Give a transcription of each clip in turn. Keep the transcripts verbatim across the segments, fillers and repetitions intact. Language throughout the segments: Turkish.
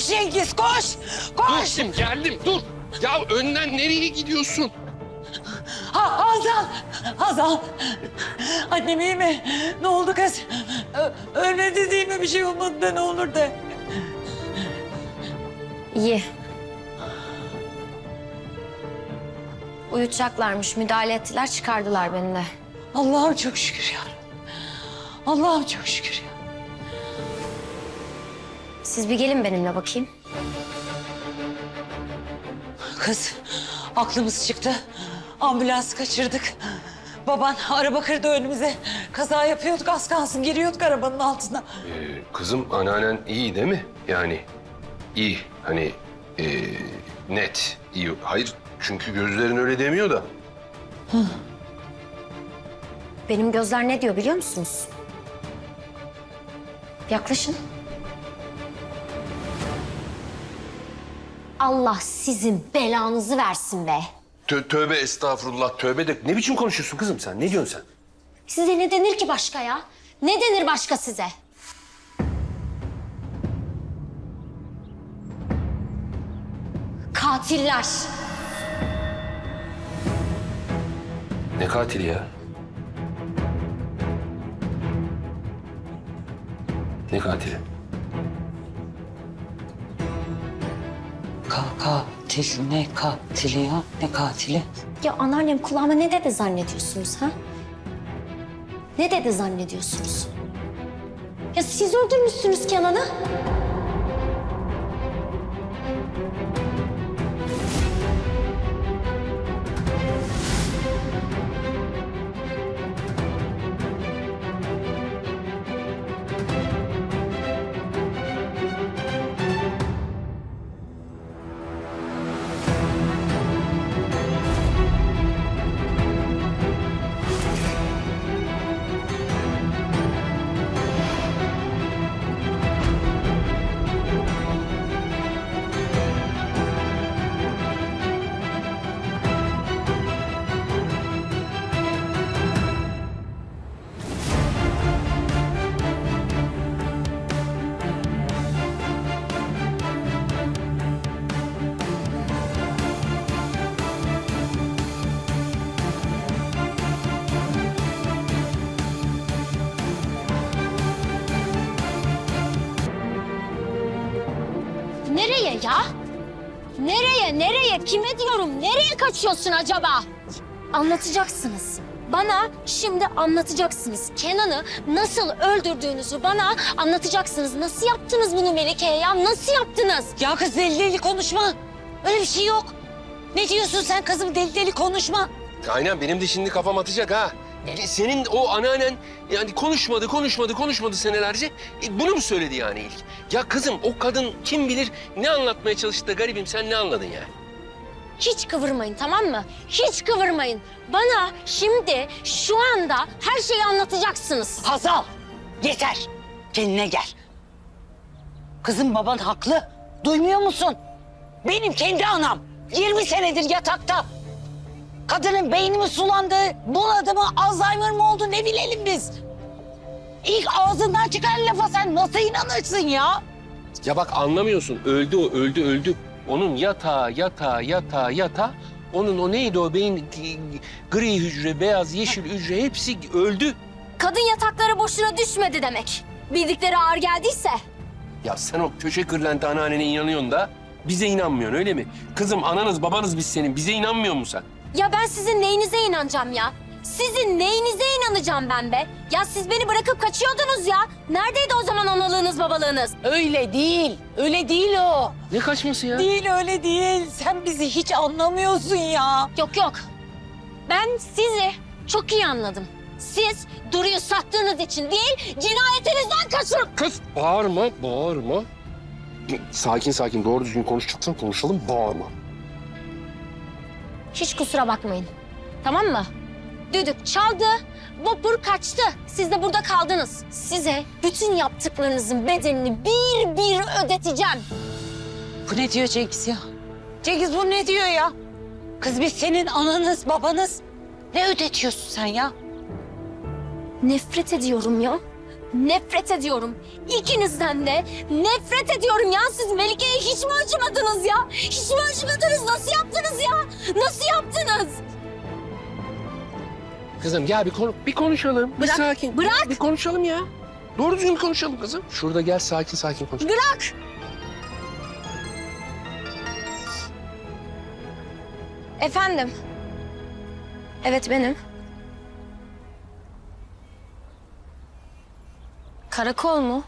Koş Cengiz koş. Koş. Dur geldim dur. Ya önden nereye gidiyorsun? Ha, Hazal. Hazal. Annem iyi mi? Ne oldu kız? Ö ölmedi değil mi? Bir şey olmadı da ne olur de. İyi. Uyutacaklarmış. Müdahale ettiler, çıkardılar beni de. Allah'ım çok şükür ya. Allah'ım çok şükür ya. Siz bir gelin benimle bakayım. Kız aklımız çıktı. Ambulans kaçırdık. Baban araba kırdı önümüze. Kaza yapıyorduk az kalsın giriyorduk arabanın altına. Ee, kızım anneannen iyi değil mi? Yani iyi hani ee, net iyi. Hayır çünkü gözlerin öyle demiyor da. Benim gözler ne diyor biliyor musunuz? Yaklaşın. Allah sizin belanızı versin be. Tö tövbe estağfurullah tövbe de ne biçim konuşuyorsun kızım sen? Ne diyorsun sen? Size ne denir ki başka ya? Ne denir başka size? Katiller. Ne katili ya? Ne katili? Ka katil ne katili ya? Ne katili? Ya anneannem kulağıma ne dedi zannediyorsunuz ha? Ne dedi zannediyorsunuz? Ya siz öldürmüşsünüz Kenan'ı. Nereye ya? Nereye, nereye? Kime diyorum? Nereye kaçıyorsun acaba? Anlatacaksınız. Bana şimdi anlatacaksınız. Kenan'ı nasıl öldürdüğünüzü bana anlatacaksınız. Nasıl yaptınız bunu Melike'ye ya? Nasıl yaptınız? Ya kız deli deli konuşma. Öyle bir şey yok. Ne diyorsun sen kızım deli deli konuşma. Aynen benim de şimdi kafam atacak ha. Senin o anneannen yani konuşmadı, konuşmadı, konuşmadı senelerce. E, bunu mu söyledi yani ilk? Ya kızım o kadın kim bilir ne anlatmaya çalıştı da garibim sen ne anladın yani? Hiç kıvırmayın tamam mı? Hiç kıvırmayın. Bana şimdi şu anda her şeyi anlatacaksınız. Hazal yeter. Kendine gel. Kızım baban haklı. Duymuyor musun? Benim kendi anam. yirmi senedir yatakta. Kadının beyni mi sulandı, buladı mı, Alzheimer mı oldu ne bilelim biz. İlk ağzından çıkan lafa sen nasıl inanırsın ya? Ya bak anlamıyorsun. Öldü o, öldü, öldü. Onun yatağı, yatağı, yatağı, yatağı. Onun o neydi o beyin gri hücre, beyaz, yeşil hücre hepsi öldü. Kadın yatakları boşuna düşmedi demek. Bildikleri ağır geldiyse. Ya sen o köşe kırlenti anneannene inanıyorsun da bize inanmıyorsun öyle mi? Kızım ananız babanız biz senin. Bize inanmıyor musun sen? Ya ben sizin neyinize inanacağım ya? Sizin neyinize inanacağım ben be? Ya siz beni bırakıp kaçıyordunuz ya. Neredeydi o zaman analığınız babalığınız? Öyle değil, öyle değil o. Ne kaçması ya? Değil öyle değil. Sen bizi hiç anlamıyorsun ya. Yok yok. Ben sizi çok iyi anladım. Siz Duru'yu sattığınız için değil, cinayetinizden kaçırıp... Kız bağırma, bağırma. Sakin sakin doğru düzgün konuşacaksan konuşalım, bağırma. Hiç kusura bakmayın. Tamam mı? Düdük çaldı, vapur kaçtı. Siz de burada kaldınız. Size bütün yaptıklarınızın bedelini bir bir ödeteceğim. Bu ne diyor Cengiz ya? Cengiz bu ne diyor ya? Kız biz senin ananız, babanız. Ne ödetiyorsun sen ya? Nefret ediyorum ya. Nefret ediyorum. İkinizden de nefret ediyorum ya. Siz Melike'ye hiç mi acımadınız ya? Hiç mi acımadınız? Nasıl yaptınız ya? Nasıl yaptınız? Kızım gel bir, konu bir konuşalım. Bir Bırak, sakin. bırak. Bir konuşalım ya. Doğru düzgün bir konuşalım kızım. Şurada gel sakin sakin konuş. Bırak! Efendim? Evet benim. Karakol mu?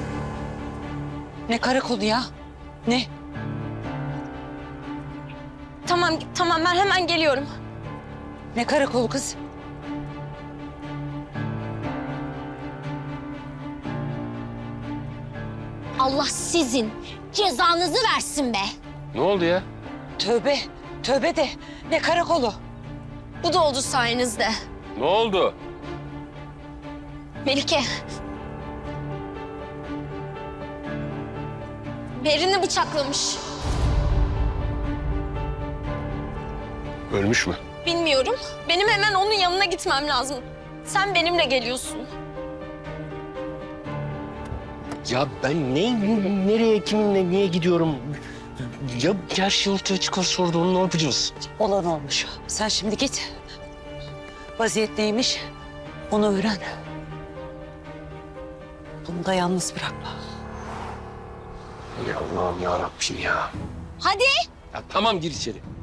Ne karakolu ya? Ne? Tamam, tamam ben hemen geliyorum. Ne karakolu kız? Allah sizin cezanızı versin be. Ne oldu ya? Tövbe, tövbe de ne karakolu? Bu da oldu sayenizde. Ne oldu? Melike. Berin'i bıçaklamış. Ölmüş mü? Bilmiyorum. Benim hemen onun yanına gitmem lazım. Sen benimle geliyorsun. Ya ben ne, nereye, kiminle, niye gidiyorum? Ya her şey ortaya çıkar sonra onu ne yapacağız? Olan olmuş. Sen şimdi git. Vaziyet neymiş? Onu öğren. Bunu da yalnız bırakma. Ya Allah'ım ya Rabbim ya. Hadi. Ya tamam gir içeri.